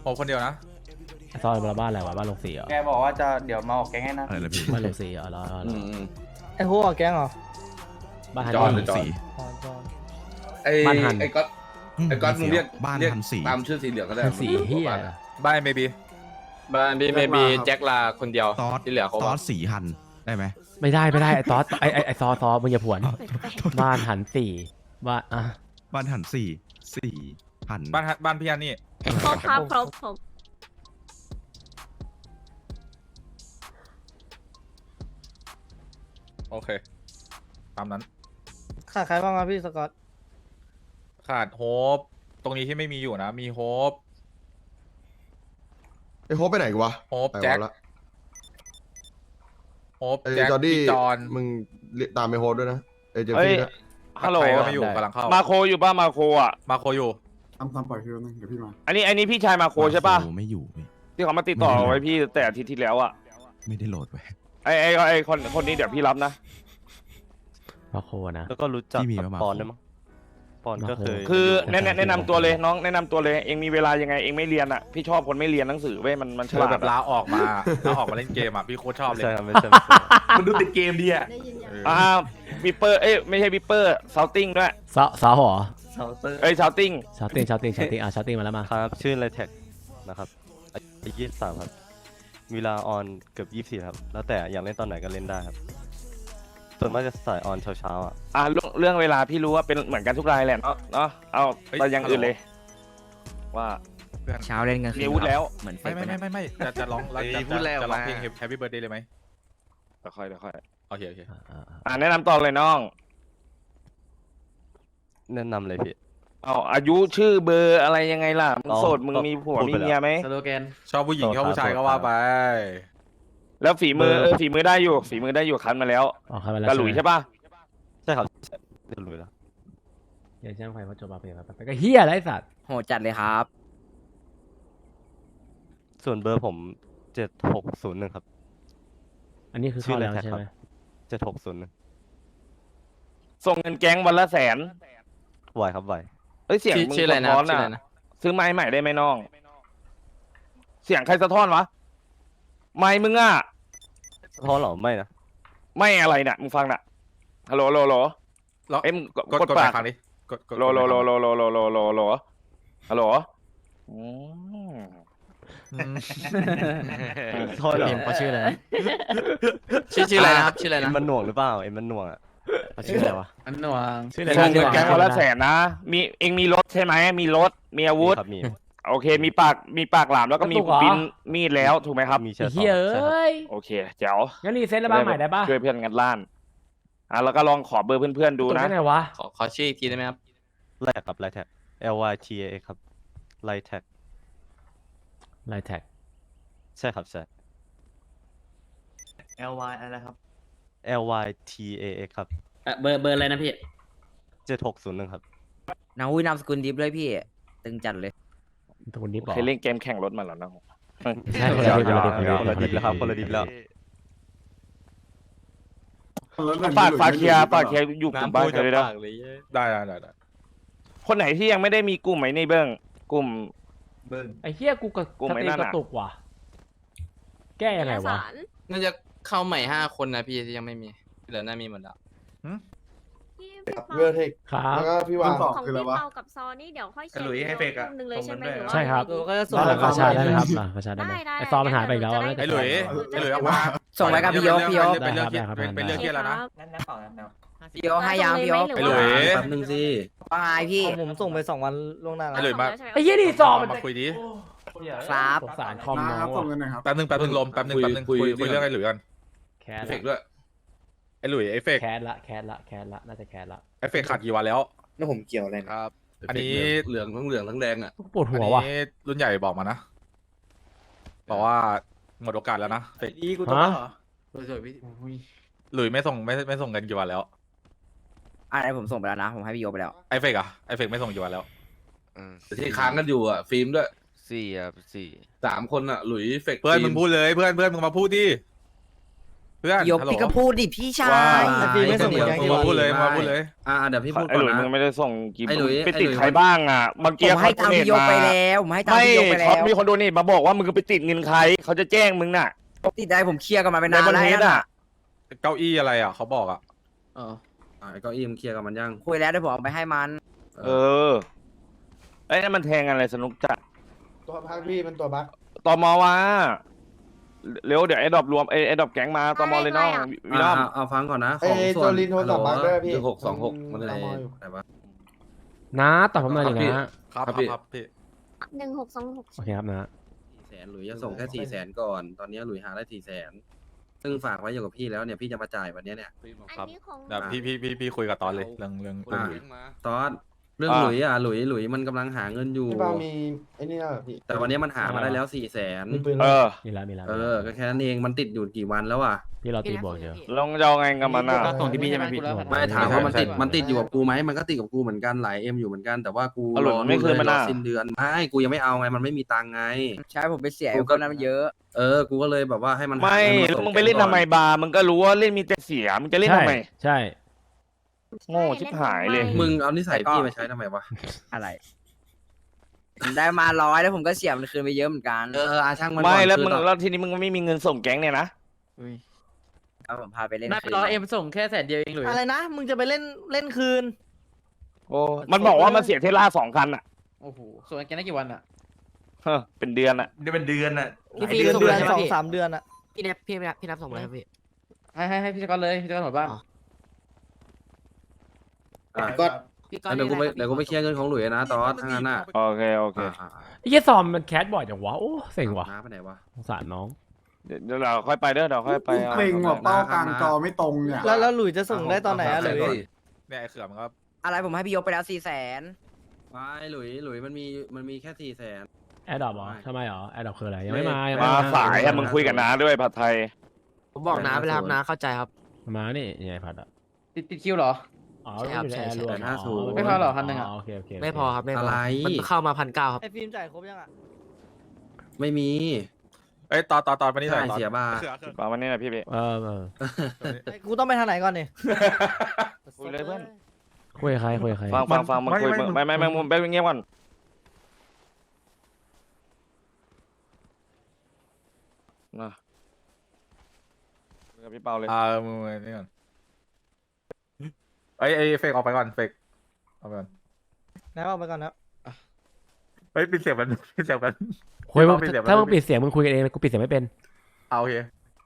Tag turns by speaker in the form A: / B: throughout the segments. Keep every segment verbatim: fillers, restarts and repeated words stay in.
A: ผมคนเดียวนะ
B: ซอยบ้านอะไรวะบ้านลงสีเหรอ
C: แกบอกว่าจะเดี๋ยวมาออกแก๊งให้นะ
D: อะไรนะพี่
B: บ้านลงสีเหรอรอรอรอ
E: ไอ้หัวออกแก๊งเหรอ
B: บ้านฮัน
D: จอน
B: นี่
D: หรือจอน
E: อ๋อจอน
F: ไอ้
B: บ้านหัน
F: ไอ้ก๊อตไอ้ก๊อตมึงเรียก
D: บ้าน
F: เรียก
D: ทันสี
F: ตามชื่อสีเหลืองก็ได้
B: ฮันสีเฮีย
A: บ้านเมบี
G: บ้านบีเมบีแจ็คลาคนเดียว
D: ตอส
G: ที่เหลือเขา
D: ตอสสีหันได้ไหม
B: ไม่ได้ไม่ได้ไอ้ซอสไอ้ไอ้ไอ้ซอซอมึงอย่าผวนบ้านหันสี่บ้านอ่ะ
D: บ้านหันสี่สี่หัน
A: บ้านฮับ้านพี่อันนี่
H: ครบครับครบครบ
A: โอเคตามนั้น
E: ขาดใครบ้างครับพี่สกอต
A: ขาดโฮปตรงนี้ที่ไม่มีอยู่นะ มีโฮป
I: ไอ้โฮปไปไหนกูวะ
A: โฮปแจ็ค
I: ไปวะละ
A: โฮป
I: ไอ้
A: แจ็ค
I: จอร์ดี้
A: พี่จอน
I: มึงเรียกตามไอ้โฮปด้วยนะไอ้เจม
J: เฮ้ย
I: ซี่นะ
J: ฮัลโหล
A: ใครก็ไม่อยู่กำลังเข้า
J: มาโคอยู่ป่ะมาโคอ่ะ
A: มาโคอยู่
K: ทำทำปล่อยพี่แป๊บนึงเดี๋ยวพี่มา
J: อันนี้อันนี้พี่ชายมาโคใช่ป่ะ
D: โอ้ไม่อยู่พี่
J: ที่เขามาติดต่อไว้พี่แต่อาทิตย์ที่แล้วอ่ะ
D: ไม่ได้โหลดไว้
J: ไอไอไอคนคนนี้เดี๋ยวพี่รับนะ
B: มาโคนะ
L: แล้วก็รู้จัก
D: ที่มีมา
L: ปอนด้วยมั้งปอนก็เคย
J: คือแนะแนะแนะนำตัวเลยน้องแนะนำตัวเลยเองมีเวลายังไงเองไม่เรียนอ่ะพี่ชอบคนไม่เรียนหนังสือเว้ยมันมันฉ
A: คือ
J: ลา
A: แบ
J: ด
A: บลา
J: อะ
A: ออกมาลาออกมาเล่นเกมอ่ะพี่โคตรชอบเลย
L: ใช่ครับไม่ใช่ไม่ใช่
C: มันดูติดเกมดีอ่ะ
H: ได้ยินยัง
A: เออ
J: อ่าวิปเปอร์เอ้ยไม่ใช่วิปเปอร์ซาวติ้งด้วย
B: ซอซอหัว
C: เซาเตอร์
J: เอ้ยซาวติ้ง
B: ชาร์ติ้งชาร์ติ้งชาร์ติ้งอ่ะชาร์ติ้งมาแล้วมา
L: ครับชื่อไรแท็กนะครับอายุยี่สิบสามครับเวลาออนเกือบยี่สิบสี่ครับแล้วแต่อยากเล่นตอนไหนก็เล่นได้ครับส่วนมากจะสายออนเช้าๆอ่ะ
J: อ่าเรื่องเรื่องเวลาพี่รู้ว่าเป็นเหมือนกันทุกรายแหละเนาะเนาะเอาไปอย่างอื่นเลย ว่า
C: เช้าเล่นกัน
J: มีอาวุธแล้ว
C: เหมือนเฟ
A: ไม่
C: ก
A: ไม่ไม่ไม่ไม่จะจะร้องจะจะจะจะร้องเพลง Happy Birthday เลยไหม
J: เดี๋ยวค่อยเดี๋ยวค่อย
A: โอเคโอเค
B: อ่าอ่าอ่า
J: อ่าแนะนำต่อเลยน้อง
L: แนะนำเลยพี่
J: เอาอายุชื่อเบอร์อะไรยังไงล่ะมึง
L: อ๋อ
J: โสดมึงมีผัว
L: พูด
J: มี
L: ไปแล้ว
J: เมียไหม
C: สโลแกน
A: ชอบผู้หญิงชอบผู้ชายก็ว่าไป
J: แล้วฝีมือ
L: เบอร์
J: เออฝีมือได้อยู่ ฝีมือได้อยู่คันมาแล้ว
B: อ๋อเข้ามาแล้ว
J: กระหลุยใช่ป่ะ
L: ใช่ครับเรียบร้อยแล้ว
B: อย่าแจ้งไฟว่าจบมาเปลี่ยนไปก็เฮียอะไรไอ้สัตว์
C: โหจัดเลยครับ
L: ส่วนเบอร์ผมเจ็ดหกศูนย์หนึ่งครับ
B: อันนี้คือเข้าแล้วใช่ไหม
L: เจ็ดหกศูนย์หนึ่ง
J: ส่งเงินแก๊งวันละแสน
L: ไหวครับไหว
J: เอ้ยเสียงมึง
G: ชื่ออะไร
J: สะ
G: นะ
J: ท้อน
G: ชื่อ
J: อ่ะ
G: อะไรนะ
J: ซื้อไม้ใหม่ได้ไหมน้อง เสียงใครสะท้อนวะ ไม้มึงอ่ะ
L: เพราะเหรอไม่นะ
J: ไม่อะไรเนี่ยมึงฟังน่ะฮัลโหลฮัลโหลฮัลโหล
A: แล้ว
J: เอ็มง
A: กด
J: กด
A: กด
J: ปา
A: ไป
J: ก
A: ครั้งนี้กดกด
J: โลโลโลโลโลโลโลโลโลฮัลโหลอืม
L: โทษเหรอ
C: เขาชื่ออะไร
G: ชื่อชื่ออะไรนะครับชื่ออะไร
L: เอ็
G: นะ
L: มมันหน่วงหรือเปล่าเอ็มมันหน่วงอ่ะ
B: เขาชื่ออะไรวะ
C: อันนวง
B: ชื่ออะไร
J: ส่งเงินแก๊งวันละแสนนะ มีเองมีรถใช่ไหมมีรถมีอาวุธ
L: ครับมี
J: โอเค มีปากมีปากหลามแล้วก็มีปินมีดแล้วถูกไหมครับ
L: มีเชื้อ
B: เฮีย
L: ใช่ครับ
B: เอ้ย
J: โอเคเจ๋ว
B: งั้นรีเซ็ตแล้วบ้านใหม่ได้ปะ
J: ช่วยเพื่อนกันล้านอ่ะแล้วก็ลองขอเบอร์เพื่อนๆดู
B: ตรง
J: นะ
B: ไหนวะ
G: ขอขอชื่ออีกทีได้ไหมครับ
L: ไลแท็กครับไลแท็ก L Y T A X ครับไลแท็ก
B: ไลน์แท็ก
L: ใช่ครับใช่
C: L Y อะไรครับ
L: L Y T A X ครับ
C: เบอร์เบอร์อะไรนะพี่
L: เจ็ดหกศูนย์หนึ่งครับ
C: นาวุ้ยนามสกุลดิฟเลยพี่ ตึงจัดเลย
B: ตรงนี้บอก
J: เคยเล่นเกมแข่งรถมาแล้วนะ
B: ใช่
L: เดี๋ยว
B: เดี๋ยวเดี๋ยว
L: เดี๋
B: เดี๋
L: ย
B: ยว ว
L: คนละดิบแล้วครับคนละดิบแล้ว
J: ฝากฝากเคลียร์ฝากเคลียร์อยู่กลุ่มบ้านกันเลยนะ
A: ได้ได้ได้ได้
J: คนไหนที่ยังไม่ได้มีกลุ่มไหมในเบื้องกลุ่ม
B: ไอ้เฮียกูกับ
J: กู
B: ส
J: ไม่
B: ตรี
J: นั่
B: ม
J: น
B: ก
J: อะ
B: ระตุกว่ะ แก้ยังไงวะ
G: น่าจะเข้าใหม่ห้าคนนะพี่ที่ยังไม่มีที่เหลือน่ามีหมดแล้ว
H: พี่
I: เวอร์เทค
B: ครับ
I: แล้วก็พี่วาง
H: ของพี่เปากับซอนี่เดี๋ยวค่อย
C: กระหลุยให้เฟกอะ
H: หนึ่งเลยใช่ไหมหรือว่า
B: ใช่ครับ
C: ก็จะส่ง
B: บ้านหลังกาชาได้ไหมครับหลังกาชาได้ไหม
H: ได้ได้
B: ไอซอมันหายไปอีกแล้วอะ
A: ไอ้หลุยไอ้หลุยเอาว่า
C: ส่งไปกับพี่โยกพี่โยก
A: เป็นเรื่องเครียดเป็นเป็นเรื่องเครียดแล้วนะ
C: พี่โยกให้ยามพี่โยก
A: ไอ้หลุย
C: แป๊บนึงสิว่าไงพี่
E: ผมส่งไปสองวันล่วงหน้า
A: ไอ้หลุยมา
B: ไอ้เฮียนี่ซอมัน
A: มาคุยดิ
C: ครับ
B: สงสารคอมน้อง
K: ส่ง
B: ว่ะ
K: เงินหน่อยครับ
A: แป๊บนึงแป๊บนึงลมแป๊บนึงแป๊บนึงคุยคุยเรื่องไอ้หลุยกัน
B: แคส
F: เฟ
B: ละ
F: กด้วย
A: ไอ้หลุยไอ้เฟก
B: แคสละแคสละแคสละน่าจะแคสละ
A: ไอ้เฟกขาดกี่วันแล้ว
I: แล้วผมเกี่ยวอะไร
G: ครับ
A: อันนี้
F: เหลืองทั้งเหลืองทั้งแดงอ่ะ
B: ปวด
A: อั
B: หั
A: น
B: วว่ะ
A: นี้รุ่นใหญ่บอกมานะบอกว่าหมดโอกาสแล้วนะเฟก
C: อีกูต้อง
B: ฮะ
C: สวยๆพี่
A: หลุยไม่ส่งไม่ไม่ส่งเงินกี่วันแล้ว
C: อะไรผมส่งไปแล้วนะ ผมให้พี่โยกไปแล้ว
A: ไอ้เฟกอะไอ้เฟกไม่ส่งกี่วันแล้ว
F: แต่ที่ค้างกันอยู่อ่ะ ฟิล์มด้วย
G: สี่อ่ะสี่
F: สามคนอ่ะ หลุยเฟก
A: เพื่อน
F: ฟิล์
A: มึงพูดเลยเพื่อนเพื่อนมึงมาพูดดิเพื่อน
C: พี่โยก
A: ฮัลโหล
C: พี่ก็พูดดิพี่ชา
A: ว้าย
E: แต่พี่ไม่ส่งเหมือนกัน
A: มาพูดเลยมาพูดเลย
C: อ่าเดี๋ยวพี่พูด
J: ไอ้
C: ก่
J: ห
C: อน
J: ลุยมึง
C: นะ
J: ไม่ได้ส่งกี่
C: ไอ้หลุย
J: ไปติด
C: ไอ้หลุย
J: ใครบ้างอ่ะเมื่อ
C: ผ
J: กี้
C: มให้
J: เขา
C: ตังค์
J: เน
C: พี่โยกไป
J: มา
C: แล้วผมให้ตังค์
J: ไม่
C: พี่โยกไปแล้
J: เขา
C: ว
J: มีคนโดเนทมาบอกว่ามึงไปติดเงินใครเขาจะแจ้งมึงน่ะ
C: ติดได้ผมเคลียร์กันมาเป็น
J: ใน
C: นาน
J: บน
C: แล้ว
J: เฮด
C: นะ
J: อ่ะ
A: เก้าอี้อะไรอ่ะเขาบอกอ่ะ
G: เออ
C: อ่าเก้าอี้มันเคลียร์กับมันยังคุยแล้วเดี๋ยวผมเอาไปให้มัน
J: เออไอ้นั่นมันแทงอะไรสนุกจัด
I: ตัวพักพี่มันตัวบัก
J: ตมว่าเร็วเดี๋ยวไอ้ดอบรวมไอ้ไอ้ดอบแก๊งมาตมเลยน้องวิลอม
C: เอาฟังก่อนนะ
I: ไอ้โจลินโทรศัพท์บักด้วยพี่
F: หนึ่งหกสองหกมัน
I: อะไร
F: อะไร
I: แต่ว่า
B: นะตอบผมหน่อยดินะ
A: ครับ
F: ครับ
A: ค
F: พี่
A: รับพี่
H: หนึ่งหกสองหก
B: โอเคครับนะ
C: สี่แสนหลุยจะส่งแค่สี่แสนก่อน ตอนนี้หลุยหาได้สี่แสนซึ่งฝากไว้อยู่กับพี่แล้วเนี่ยพี่จะมาจ่ายวันนี้เนี่ย
A: ครั
H: อั
A: บ
H: นนี้ของ
A: เดี๋ยวพี่พี่พี่พี่คุยกับตอนเลยเรื่องเรื่องเรื่องหลุย
C: ตอนเรื่องหลุยอ่ะหลุยหลุยมันกำลังหาเงินอยู่
I: พี่บ้ามีไอ้นี่นะพี่
C: แต่วันนี้มันหามาได้แล้วสี่แสน
I: มีปืน
J: เออ
B: มีแล้วมีแล้ว
C: เออก็แค่นั้นเองมันติดอยู่กี่วันแล้วอ่ะ
B: พี่เราตีบวกเยอะ
J: ลองจะเอาไงกับมันอ่ะ
E: ส่งที่พี่ใช่ไหมพี่
C: ไม่ถามว่ามันติด
A: ใช่ใช่
C: มันติดอยู่กับกูไหมมันก็ติดกับกูเหมือนกันหลายเอ็มอยู่เหมือนกันแต่ว่ากู
J: เอาหลุ
C: ร
J: ย
C: อ
J: ไม่คืนมัน
C: รอ
J: อ่ะ
C: สิ้นเดือนไม่กูยังไม่เอาไงมันไม่มีตังค์ไง
E: ใช่ผมไปเสีย
C: กูก็นั้นเยอะ เออกูก็เลยแบบว่าให้มันหา
J: ไม่
C: เงิน
J: แล้ว
C: ส่
J: มึงไปเล่น
C: ก่อ
J: ทำไมบาร์มึงก็รู้ว่าเล่นมีแต่เสียมึงจะเล่น
B: ใช่
J: ทำไม
B: ใช่
J: โง่ชิบหายเลย
C: มึงเอานิสัยพี่มาใช้ทำไมวะอะไรผมได้มาร้อยแล้วผมก็เสียมันคืนไปเยอะเหมือนกันเอออาช่างมัน
J: ไม่
C: ก่อน
J: แล้ว
C: คือ
J: มึง
C: ตอน
J: แล้วทีนี้มึงไม่มีเงินส่งแก๊งเนี่ยนะ
C: เอาผมพาไปเล่น
G: ได้
C: คืน
G: ร้อยเอ็มส่งแค่แสนเดียวเองหลุย
E: อะไรนะ มึงจะไปเล่นเล่นคืน
J: โอ้มันบอกว่ามันเสียเทสลาสองคันอ่ะ
G: โอ้โหส่งแกได้กี่วันอ่ะ
J: เฮ้อเป็นเดือนอ่ะ
I: นี่เป็นเดือนอ่ะ
E: เดือนเดือนสองสามเดือนอะ
G: พี่เนฟพี่พี่นับส่งเลยครับพี่ให้ให้ให้พี่สกอตเลยพี่สกอตหมดบ้าน
C: อ่ะ
I: ก็
G: พี่สกอต
C: เดี๋ยวกูไปเดี๋ยวกูไปเคลียร์เงินของหลุยนะตอนทั้างนั้นน่ะ
J: โอเคโอเค
C: อ่ะอ่ะอ่ะ
B: ไอ้เหี้ยซอมมันแคสบ่อยจังวะโอ้เซ็งว่ะ
C: น้าไปไหนวะ
B: สงสารน้อง
J: เดี๋ยวเดี๋ยวเราค่อยไปเด้อเดี๋ยวค่อยไปอา
K: เป่งว่ะ
C: เอา
K: เป้ากลางจอไม่ตรงเนี่ย
E: แล้วแล้วหลุยจะส่งได้ตอนไหนอะหลุย
A: เนี่ยไอ้เขื่อมันก็
C: อะไรผมให้พี่ยกไปแล้วสี่แสนไม่หลุยหลุยมันมีมันมีแค่สี่แสน
B: แอดดอปเหรอทำไมเหรอแอดดอปคืออะไรยังไม่มายัง
J: มา
B: ไม่
J: สายอะมึงคุยกับน้าด้วยผัดไทย
G: ผมบอกน้าไปแล้วครับน้าเข้าใจครับ
B: มานี่ยังไงพัดอ่ะ
G: ติดติดคิวเหรอ
B: อ๋อ
G: ใช่ครับ
B: อยู่ในแอร์รวม
C: ใช่ใช่
G: ไม่พอเหรอพันหนึ่งอะ
B: โอเคโอเคโเค
G: ไม่พอครับไม่พอ
C: อะไร
G: มันเข้ามาพันเก้าครับ
E: ไอ้ฟิล์มจ่ายครบยังอะ
C: ไม่มี
A: เอ้ยตอนตอนตอนมานี่หน่อย
C: ใช่
A: ตอน
C: เสียบาท
A: เขื่อเขื่อ
J: มาวันนี้นะพี่พี่
B: เออเออ
E: ไอ้กูต้องไปทางไหนก่อนเนี่ย
J: คุยเลยเพื่อน
B: คุยกับใครคุยกับใคร
J: ฟังฟังฟังมึงคุยมึงไม่ไม่ไม่มึงไปเงียบก่อนนะคุยกับพี่เปาเลย
A: อ่ามึงมึงนี่ก่อนไอ้ไอ้เฟกออกไปก่อนเฟกออกไปก่อน
E: นายออกไปก่อนนะ
A: เฮ้ยปิดเสียงมันปิดเสียงมัน
B: คุยมึง
A: ปิดเสียงมัน
B: ถ้ามึงปิดเสียงมึงคุยกันเองกูปิดเสียงไม่เป็น
A: เอาโอเค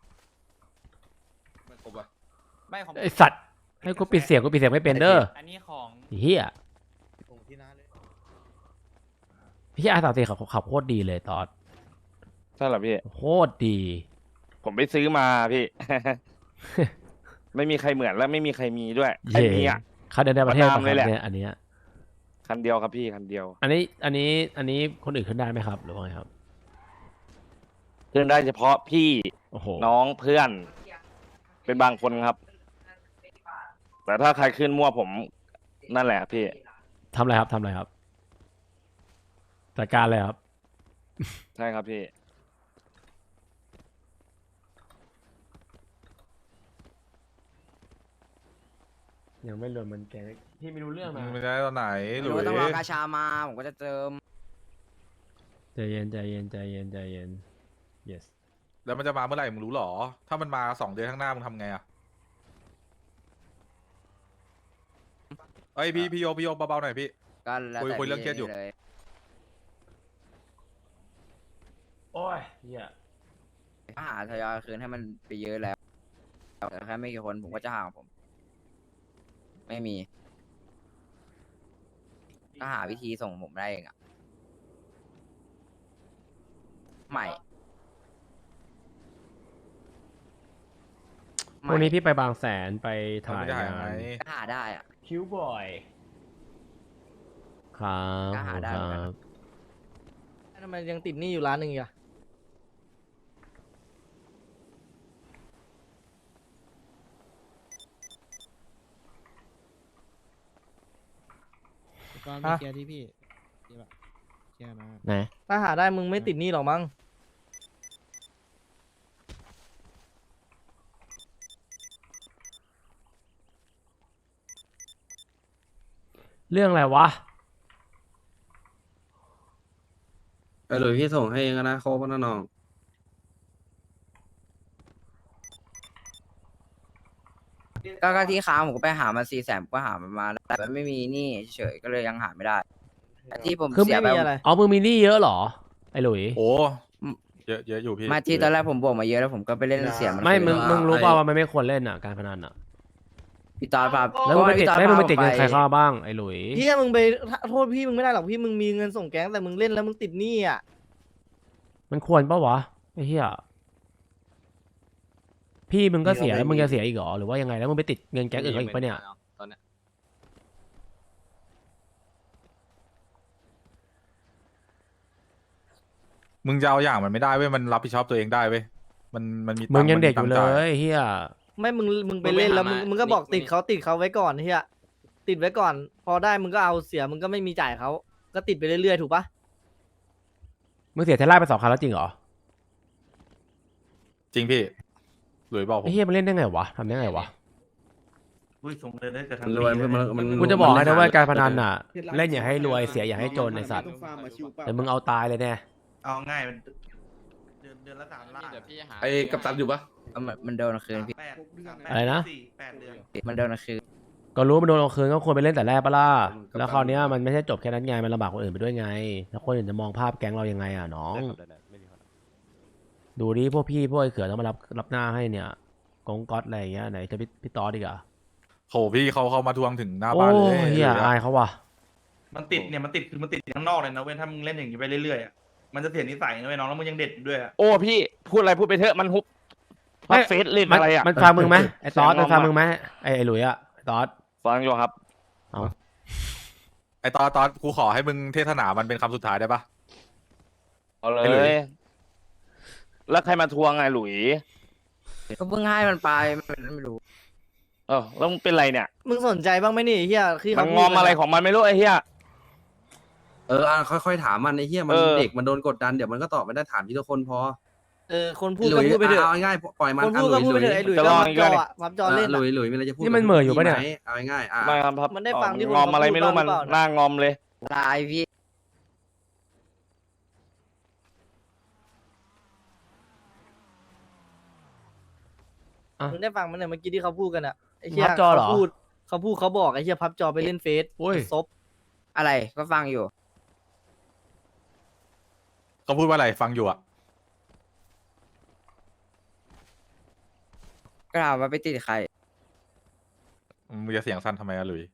F: ไม่ครบอ่ะ
G: ไม่ของ
B: ไอสัตว์ให้กูปิดเสียงกูปิดเสียงไม่เป็นเด้อ
G: อันนี้ของ
B: เฮียพี่อาสามสี่ขับขับโคตรดีเลยตอน
J: ใช่เหรอพี่
B: โคตรดี
J: ผมไปซื้อมาพี่ ไม่มีใครเหมือนและไม่มีใครมีด้วยไอ้
B: เย่
J: มีอ่ะ
B: คันเดียวในประเทศ
J: ประนามเลยแหละ
B: เนี่ยอันเนี้ย
J: คันเดียวครับพี่คันเดียว
B: อันนี้อันนี้อันนี้คนอื่นขึ้นได้ไหมครับหรือว่าไงครับ
J: เพื่อนได้เฉพาะพี่
B: โอ้โห
J: น้องเพื่อน เป็นบางคนครับ แต่ถ้าใครขึ้นมั่วผมนั่นแหละพี่
B: ทำอะไรครับทำอะไรครับจัดการเลยครับ
J: ใช่ครับพี่
B: ยังไม่รวมมันแกพี่ไม่รู้เรื่อง
A: มึ
B: นะ
A: งไม่ได้ตอนไหนห
C: ห
A: ลุ
C: รือย ว่าต้องรอกาชามาผมก็จะเติม
B: ใจเย็นใจเย็นใจเย็นใจเย็น yes
A: แล้วมันจะมาเมื่อไหร่มึงรู้หรอ ถ้ามันมาสองเดือนข้างหน้ามึงทำไงอ่ะเอ้ยพี่พี่โยพี่โยเบาๆหน่อยพี่
C: ก็แล้ว
A: คุย
C: แต่
A: คุยเรื่องเครียดอยู่
C: ล
B: โอ้ยเฮีย
C: ก็หาทยอยคืนให้มันไปเยอะแล้วแต่แค่ไม่กี่คนผมก็จะหาของผม ไม่มีก็หาวิธีส่งผมได้เองอะใหม่
B: วันนี้พี่ไปบางแสนไป
A: ทำ
B: ถ่าย
A: ไม่ได้
B: งา
A: ไหม
B: น
C: ก็หาได้อะ
B: คิวบอยครับ
C: ก็หาได้
B: ค
C: เหมือนกัน
B: รับ
E: ทำไมยังติดหนี้อยู่ร้านหนึ่งอีกอะ
G: ก็ไม่เคลียร์ที่พี่เคลียร์เคลียร์นะ
B: ไหน
E: ถ้าหาได้มึงไม่ติดหนี้หรอกมั้ง
B: เรื่องอะไรวะ
G: เออหรือพี่ส่งให้เองนะโคบนะน้อง
C: ก็ก็ที่ค้างผมก็ไปหามาสี่แสนก็หามันมาแต่มันไม่มีหนี่เฉยๆก็เลยยังหาไม่ได้แต่ที่ผม
E: คือ
C: เสีย
E: ไม่
C: ไป
E: มีอะไร
B: อ๋อมึงมีหนี้เยอะเหรอไอ้หลุย
A: โอ้เยอะเยอะอยู่พี่
C: มาที่ตอนแรกผมบวกมาเยอะแล้วผมก็ไปเล่นเสียมัน
B: ไม่
C: คืน
B: มึงมึงรู้เปล่าว่ามันไม่ควรเล่นอ่ะการพนันอ่ะ
C: พี่ตอนพา
B: แล้วมึงไปติด
C: พี่ตอน
B: ไม่มึงไป
C: พา
B: ติดเงิน
C: ผ
B: ใครเข้ามาบ้างไอ้หลุย
E: พี่มึงไปโทษพี่มึงไม่ได้หรอกพี่มึงมีเงินส่งแก๊งแต่มึงเล่นแล้วมึงติดหนี้อ่ะ
B: มันควรปะวะไอ้เหี้ยพี่มึงก็เสียแล้วมึงจะเสียอีกเหรอหรือว่ายังไงแล้วมึงไปติดเงินแก๊งอื่นเขาอีกปะเนี่ย
G: ตอนเนี้ย
A: มึงจะเอาอย่างมันไม่ได้เว้ยมันรับผิดชอบตัวเองได้เว้ยมันมันมีตั
B: มึงยัง
A: มั
B: เด็ก
A: มี
B: อยู่
A: ตั
B: เล
A: จ่าย
B: ไอ้เหี้ย
E: ไม่มึงมึงไปเล่นแล้วมึงมึงก็บอกติดเขาติดเขาไว้ก่อนเฮียติดไว้ก่อน พอได้มึงก็เอาเสียมึงก็ไม่มีจ่ายเขาก็ติดไปเรื่อยๆถูกปะ
B: มึงเสียเทสลาไปสองคันแล้วจริงเหรอ
A: จริงพี่หลุยบอกผม
B: ไอ้เหี้ยมันเล่นได้ไงวะทำได้ไงวะ
G: มันรวยมันมันมัน
B: กูจะบอกให้นะว่าการพนันอ่ะเล่นอย่าให้รวยเสียอย่าให้จนไอ้สัตว์แต่มึงเอาตายเลยแน่
I: เอาง่ายมันเดือนเดือนละสามล้าน
G: เดี๋ยวพี่หา
F: ไอ้กัปตันอยู่ปะ
C: เอามันมันโดนคืนพี่
I: แปด
B: อะไรนะ
I: สี่แปดเดือน
C: มันโดนคืน
B: ก็รู้มันโดนเอาคืนก็ควรไปเล่นแต่แรกปะล่ะแล้วคราวเนี้ยมันไม่ใช่จบแค่นั้นไงมันลำบากคนอื่นไปด้วยไงแล้วคนอื่นจะมองภาพแก๊งเรายังไงอ่ะน้อง
L: ได้ครับได้ๆไม่มีปัญหา
B: ดูดิพวกพี่พวกไอ้เขือต้องมารับรับหน้าให้เนี่ยกงก๊อตอะไรอย่างเงี้ยไหนจะพี่พี่ตอดีกอ่ะ
A: โหพี่เขาเขามาทวงถึงหน้า
B: โอ้
A: บ้านเลย
B: เฮีย
A: หลุ
B: อายเขาว่ะ
I: มันติดเนี่ยมันติดคือมันติดข้างนอกเลยนะเว้ยถ้ามึงเล่นอย่างนี้ไปเรื่อยๆอ่ะมันจะเสียนิสัยนะเว้ยน้องแล้วมึงยังเด็กอยู่ด้วยอ่ะ
J: โอ้พี่พูดอะไรพูดไปเถอะมันฮุบพับเฟซเล่น
B: มัน
J: อะไรอ่ะ
B: มันฟังมึงไหมไอ้ตอส
J: เสียง
B: มันฟัง
J: งอมอะ
B: มึงไหมไอ้ไอ้หลุยอ่ะไอ้ตอส
J: ฟังอยู่ครับ
A: ไอตอนตอนกูขอให้มึงเทศนามันเป็นคำสุดท้ายได้ปะ
J: เอาเล
A: ไอ้หลุย
J: ย แล้วใครมาทวงไงหลุย
C: ก็เพิ่งให้มันไปมันไม่รู้
J: เออแล้วมึงเป็นไรเนี่ย
E: มึงสนใจบ้างไหมนี่เฮียที่
J: มั
E: เขา
J: น
E: พูด
J: งอมอะไรของมันไม่รู้ไอ้เหี้ย
G: เอออ่ะค่อยๆถามมันไอ้เหี้ยมัน
J: เออ
G: เด็กมันโดนกดดันเดี๋ยวมันก็ตอบไม่ได้ถามทีละคนพอ
E: เออคนพูดก็พูดไปเถอะ
G: เอาง่ายๆปล่อยมัน
E: คนพูดก็พูดไปเถอะไอ้หลุยก็พับจออ่ะพับจอเล่น
G: หลุ
E: อะ
G: ยหลุยมีอะไรจะพูด
B: นี่มันเหม่ออยู่ปะเนี่ย
G: ไหเอาง่ายๆอ่ะ
J: ไม่ครับครับ
E: มันได้ฟังที่
J: เออ
E: คน
J: งอมอะไร
E: เขาพูด
J: ไม่รู้มัน
E: บ้างหรือเปล่า
J: หน้างอมเลย
C: ลายพี่
E: มึงได้ฟังมันเนี่ยเมื่อกี้ที่เขาพูดกันอ่ะไอ้เฮีย
B: พับจอเหรอ
E: เขาพูดเขาพูดเขาบอกไอ้เฮียพับจอไปเล่นเฟซ
B: โอ้ย
E: ซบ
C: อะไรก็ฟังอยู่
A: เขาพูดว่าอะไรฟังอยู่อ่ะ
C: ก็ถามว่าไปติดใคร
A: มึงจะเสียงสั้นทำไมอะหลุย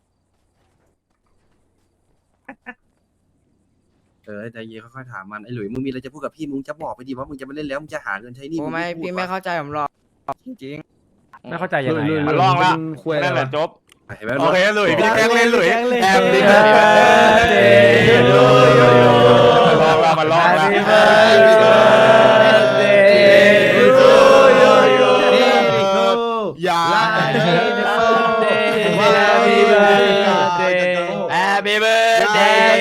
G: เออใจเย็นค่อยๆถามมันไอ้หลุยมึงมีอะไรจะพูดกับพี่มึงจะบอกไปดิว่ามึงจะไม่เล่นแล้วมึงจะหาเงินใช้หนี่
C: โอ้ไม่พี่ไม่เข้าใจผมหรอกจริง
B: ไม่เข้าใจยังไงอะ
J: มันล่องแล้วนั่นแหละจบ
G: เห็นไหม
A: โอเคหลุยพี่แกล้งเล่นหลุยแอบดิ
J: มันล่องแล้วมันล่องแล้ว
A: อย่า
B: Happy birthday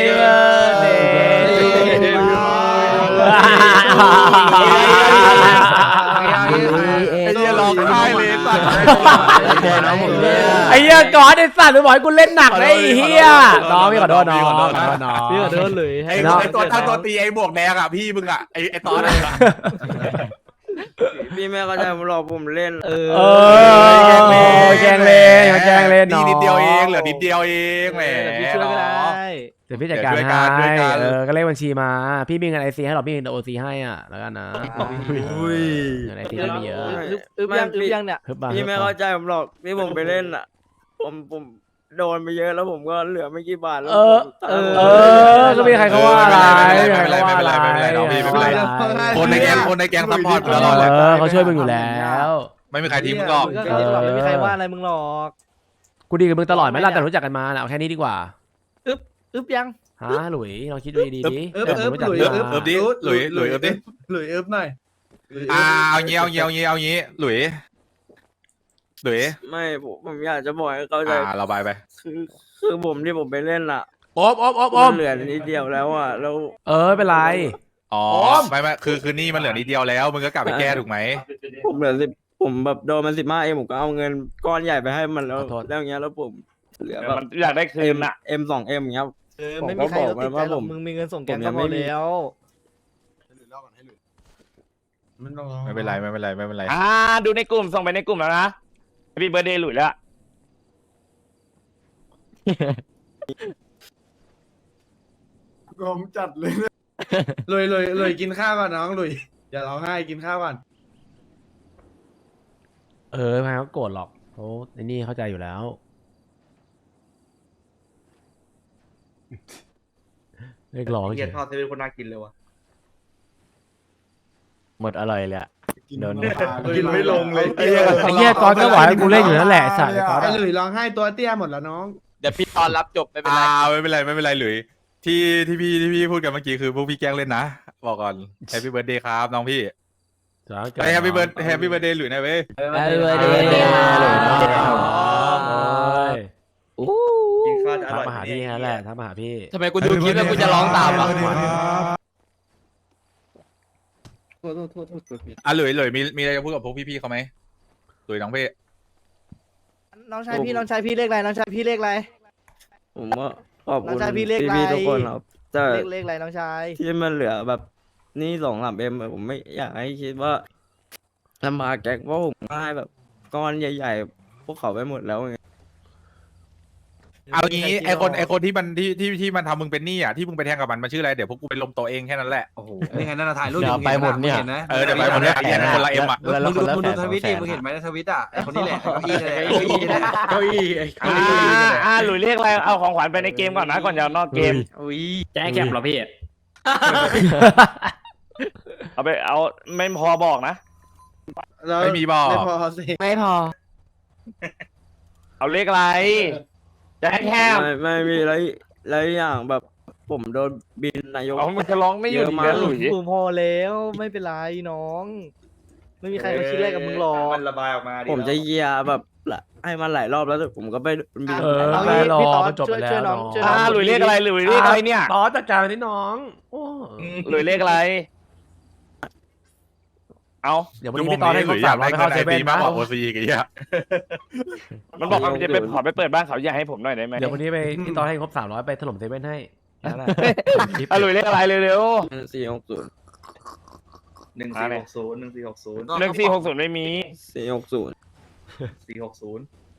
A: ไอ้เหี้ยร้องไห้เลยสัตว์
B: ไอ้เหี้ยก่อนไอ้สัตว์มึงบอกให้กูเล่นหนักนะไอ้เหี้ยน้องพี่ขอโทษน้องขอโทษน้อง
E: พี่ขอโทษเลย
A: ไอ้ไอ้ตัวตั้งตัวตีไอ้บวกแดงอ่ะพี่มึงอ่ะไอ้ไอ้ตอนนั้น
C: พี่ไม่เข้าใจผมหรอกผมเล่น
E: เออ
B: เออแกงเล่นแกงเล่นน้อง
A: นิดเดียวเองเหลือนิดเดียวเองแหม
E: เดี๋ยวพี่ช่วยก็ได้
B: เดี๋ยวพี่จัดการ
A: เดี๋ยวช่วยกันช่
B: ให้
A: วยกัน
B: เออก็เลขบัญชีมา พี่มีเงินไอซีให้หรอพี่มีเงินโอซีให้อ่ะแล้วกันนะเงินไอซีไม่เยอะ
E: อึบอึบยังอึบยังเนี่ย
B: ฮึบบ้าง
C: พี่ไม่เข้าใจผมหรอกพี่ผมไปเล่นอ่ะ ผมผมโดนไปเยอะแล้วผมก็เหลือไม่กี่บาทแล้ว
B: เออ
E: เออ
B: เออก็มีใครเขาว่าอะไร
A: ไม่เป็นไรไม่เป็นไรไม่เป็นไรน้องพี่ไม่เป็นไร คนในแก๊งคนในแก๊งซัพพอร์ตตลอดเลย
B: เออเขาช่วยมึงอยู่แล้ว
A: ไม่มีใครทิ้งมึงหรอก
E: มึงก็เคยเล่นหรอกไม่มีใครว่าอะไรมึงหรอก
B: กูดีกับมึงตลอดไหมล่ะแต่รู้จักกันมาน่ะเอาแค่นี้ดีกว่า
E: อึบยัง
B: ฮะหลุยลองคิดดูดีๆดิ
I: เอิบ
B: เออ
I: เอิบ
B: รู้จัก
I: หลุย
B: กัน
I: เอิบ
B: มา
A: เอิบดิหลุยหลุยเอิบดิ
I: หลุยเอิบหน่อย
A: อ่าเอางี้เอางี้เอางี้เอางี้หลุยหลุย
C: ไม่ผมผมอยากจะบอกให้เข้าใจ
A: อ่าเราบายไป
C: คือคือผมที่ผมไปเล่นอ่ะ
B: โอ๊บโอ๊บโอ๊บโอ๊
C: มั
B: บ
C: นเหลือนิดเดียวแล้วอ่ะแล้ว
B: เออไม่เป็นไร
A: อ๋อไม่ไม่คือคือนี่มันเหลือนิดเดียวแล้วมึงก็กลับไปแก้ถูกไหม
C: ผมเหลือสิบผมแบบโดนมันสิบห้าเองผมก็เอาเงินก้อนใหญ่ไปให้มันแล้ว
B: ขอโทษ
C: แล้วอย่างเงี้ยแล้วผมเหลือ
J: เออ
C: แบบ
J: มันอยากได้คืนอ่ะ
C: เอ็มสองเอ็มอย่างเงี้ย
E: เออ
C: ผม
E: ไม่
C: ก็
E: มีใครเขาติด
C: บอก
E: ใจ
C: มัน
E: หรอก
C: ว่าผม
E: มึงมีเงินส่งแกง
C: ผมยั
E: ก็
C: ง
E: พ
C: ไม่
E: อ
C: มี
E: แล้ว
A: ไม่เป็นไรไม่เป็นไรไม่เป็นไร
J: อ่าดูในกลุ่มส่งไปในกลุ่มแล้วนะพี่เบอร์เดย์หลุยแล้ว
K: ผมจัดเลยลุยลุยลุยกินข้าวก่อนน้องลุยอย่าร้องไห้กินข้าวก่อน
B: เออไม่เขาโกรธหรอกเขาไอ้นี่เข้าใจอยู่แล้ว เรียกร้องเฉ
I: เกีย
B: ย
I: ทอดเซเว่นคนน่ากินเลยวะ
L: หมดอร่อยเลยอะโดน
K: กินไม่ลงเลย
B: ไอ้เหี้ยก๊อตก็บอกให้กูเล่นอยู่นั่นแหละไอ้สัตว์ไอ้ก๊อต
K: ไอ้
B: อะ
K: หลุยร้องไห้ตัวเตี้ยหมดแล้วน้อง
C: เดี๋ยวพี่ตอนรับจบไม่เป็นไร
A: อ่าไม่เป็นไรไม่เป็นไรหลุยที่ที่พี่ที่พี่พูดกันเมื่อกี้คือพวกพี่แกล้งเล่นนะบอกก่อนแฮปปี้เบิร์ดเดย์ครับน้องพี่
B: จ้า
A: ไปแฮปปี้เบิร์ดแฮปปี้เบิร์ดเดย์หลุยนะเว้ย
C: Happy birthday
I: กินข้าวจะอ
B: ทัก
I: ร่อย
B: มาหาพี่นั่นแหละทักมาหาพี่
C: ทำไมกูดูคลิปแล้วกูจะร้องตามวะ
A: อ่ะหลุยหลุยมีมีอะไรจะพูดกับพวกพี่ๆเขาไหมหลุยน้องพี่
E: น้องชายพี่น้องชายพี่เลขอะไรน้องชายพี่เลขอะไร
C: ผมว่าขอบ
E: น้อ
C: คุ
E: ง
C: ณ
E: ชายพี่เลขอะไร
C: พี่ๆทุกคนครับแต่
E: เลขเลขอะไรน้องชาย
C: ที่มันเหลือแบบนี่สองสามเอ็มผมไม่อยากให้คิดว่าลำบากแก๊กเพราะผมให้แบบก้อนใหญ่ๆ พวกเขาไปหมดแล้วไง
A: เอางี้ไอคนไอคนที่มันที่ที่ที่มันทำมึงเป็นหนี้อ่ะที่มึงไปแทงกับมันมันชื่ออะไรเดี๋ยวพวกกูไปลมตัวเองแค่นั้นแหละ
G: โอ้โหนี่ไงนั่นนะถ่ายรูป
L: เดี๋ยวไปหมดเนี่ย
A: เออเดี๋ยวไปหมดเนี่ยไอ้เหี้ยนั่นคนละเอ็มอ่ะ
L: เดือน
G: มึ
L: ละ
G: ง
L: ค
G: ดู
L: นละ
G: มึง
L: แส
G: ดู
L: น
G: ท
L: สอง
G: วิต
L: แส
G: ดิ
L: น
G: มึงเห็นไหมในทวิตอ่ะไอคนนี้แหละเก้าอี้เลย
K: เก้าอี้ไอ้เก้าอี้
J: อ่าอ่าหลุยเรียกอะไรเอาของขวัญไปในเกมก่อนนะก่อนจะเอานอกเกม
C: อุ้ย
L: แจ้งแคปเหรอพี่
J: เอาไปเอาไม่พอบอกนะ
A: ไม่มีบอก
K: ไม่พอสิ
C: ไม่พอ
J: เอาเลขอะไรจะให้แคบ
C: ไม่ไม่มีอะไรอะไรอย่างแบบผมโดนบินนายก
J: เอามันจะร้องไม่หยุดอีกแล้วหลุย
E: กูพอแล้วไม่เป็นไรน้อง ไม่มีใครมาคิดอะไรกับมึงหรอก
I: มันระบายออกมาดิ
C: ผมจะเยียร์แบบละให้มันหลายรอบแล้วแต่ผมก็ไปบิน
B: เออ
E: เอา
B: ไม่
E: งี้
B: รอ
E: พี่ต๊อด
B: มันจบไปแล้ว
E: ช่วยน้อง
B: น้อง
E: ช่วย
J: อ่า
E: น้อง
J: หลุยเรียกอะไรหลุยเรียกอะไรเนี่ย
B: ต่อจัดการที่น้องโอ้
J: หลุยเรียกอะไรเอา
B: เดี๋ยววันนี้พี่ตอนให้ครบสามร้อยไปเข้าเซเว่น
A: มาก
B: นะ
A: กว่าโอซีอีกไอ้เหี้ย
J: มันบอกว่ามันจะไปขอไปเปิดบ้านเขาอยากให้ผมหน่อยได้ไหม
B: เดี๋ยววันนี้ไปพี่ตอนให้ครบสามร้อยไปถล่มเซเว่นให้นั่นแหละคลิป
J: อ่ะหลุยเรียกอะไรเร็ว
C: สี่หกศูนย์
I: หนึ่งสี่หกศูนย์หนึ่งสี่หกศูนย์
J: ๆหนึ่งสี่หกศูนย์ไม่มี
C: สี่หกศูนย์
I: สี่หกศูนย์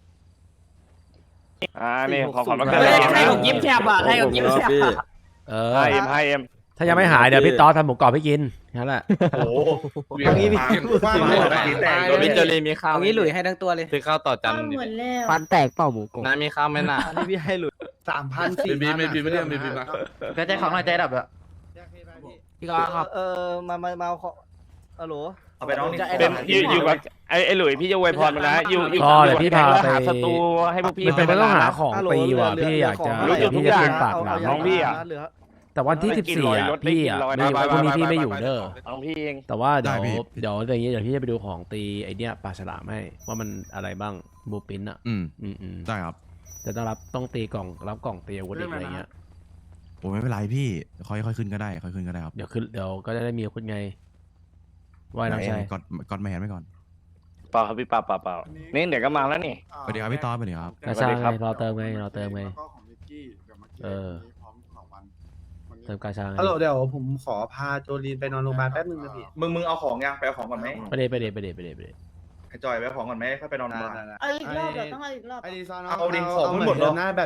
J: อ่านี่ของขวัญมาเกิด
C: เฮ้ย
J: นะ
C: ให้ผมยิ้มแฉ่บอ่ะให้ผมยิ้มแฉ่บ
B: เออ
J: ห้าเอ็มห้าเอ็ม
B: ถ้ายังไม่หายเดี๋ยวพี่ตอนทำหมูกรอบให้กินนั่นแหละ
I: โอ้โห
E: เอางี้พี่
K: ว่ามาหมดแล้ว
C: พี่เจอรีมีข้าวเอางี้หลุยให้ทั้งตัวเลย
L: ซื้อข้าวต่อจัน
H: หมดแล้ว
C: ฟันแตกเปล่าหมูกง
L: น้ามีข้าวไหมน่ะ
E: อันนี้พี่ให้หลุด
K: สามพันสี่
F: ไม่มีไม่มีไม่ได้ไม่มีมา
L: ก็ใจของหน่อยใจดับอะ
C: พี่ก็ครับ
E: เออมามามาเอาของฮัลโหล
I: เอาไปน้องนี่
E: จะไอ้
J: เป็น
E: ดอก
J: อยู่อยู่กับไอ้ไอ้หลุยพี่จะอวยพรมันนะอยู่อยู่
B: ก็เดี๋ยวพี่พา
J: แล้ว
B: ไป
J: หาศัตรูให้พวกพี่
B: มันเป็นไม่ต้องหาของ
E: ฮัลโหล
B: ปีว่ะ
E: เหลื
B: พี่อยากจะ
E: เหลื
J: รู้จุดทุกอย่าง
B: พี่จะขึ้นปากหลัง
E: เา
J: น้องพี่อะ
E: เหลือ
B: แต่วันที่
J: ได้
B: สิบ
J: กิน
B: สี่
J: ร้อย
B: อ่ะ
J: รถได้
B: พี่
J: กิน
B: อ่ะ
J: ร้อย
B: ไม่อยู่
A: ไปไป
B: พรุ่งนี้
A: ไป
B: พี่
A: ไป
B: ไม่อยู่
A: ไป
B: เด้อ
J: น้องพี่เอง
B: แต่ว่าเดี๋ยว
D: ได้พี่
B: เดี๋ยวอย่างงี้เดี๋ยวพี่จะไปดูของตีไอเนี้ยปลาฉลามให้ว่ามันอะไรบ้างบูปินอ่ะ
D: อืม
B: อืมอืม
D: ได้ครับ
B: แต่ต้องรับต้องตีกล่องรับกล่องตีอาวุธอีกอะไรเงี้ย
D: ผมไม่เป็นไรพี่ค่อยค่อยขึ้นก็ได้ค่อยขึ้นก็ได้ครับ
B: เดี๋ยวขึ้นเดี๋ยวก็จะได้มีอาวุธไงว่ายน้องชาย
D: กดกดไม่เห็นไว้ก่อน
J: เปล่าครับพี่เปล่าเปล่าเปล่านี่เดี๋ยวก็มาแล้วนี่
D: สวัสดีครับพี่ต้อสวัสดีครับ
B: กระชา
J: สวัสดีครับ
B: ไงรอเติมไงรอเติมไง
K: แล้วก็ของนิกกี้เดี๋ยวมากิน
B: เออ
K: พร้อมสองวันวันนี้
B: เติมกาชาไง
K: ฮัลโหลเดี๋ยวผมขอพาโจลีนไปนอนโรงพยาบาลแป๊บนึงนะพี่
I: มึงมึงเอาของยังไปเอาของก่อนไหม
B: ไปเดไปเดไปเดไปเดไปเด
I: ไอ้จอยไปเอาของก่อนไหมค่อยไปนอนโรงพยาบาล
H: เอาอีกรอบเหรอต้องเอาอีกรอบเหรอ
K: ไอดีซอน
I: เอาดิของมันหมดเหรอ
K: หน้าแบบ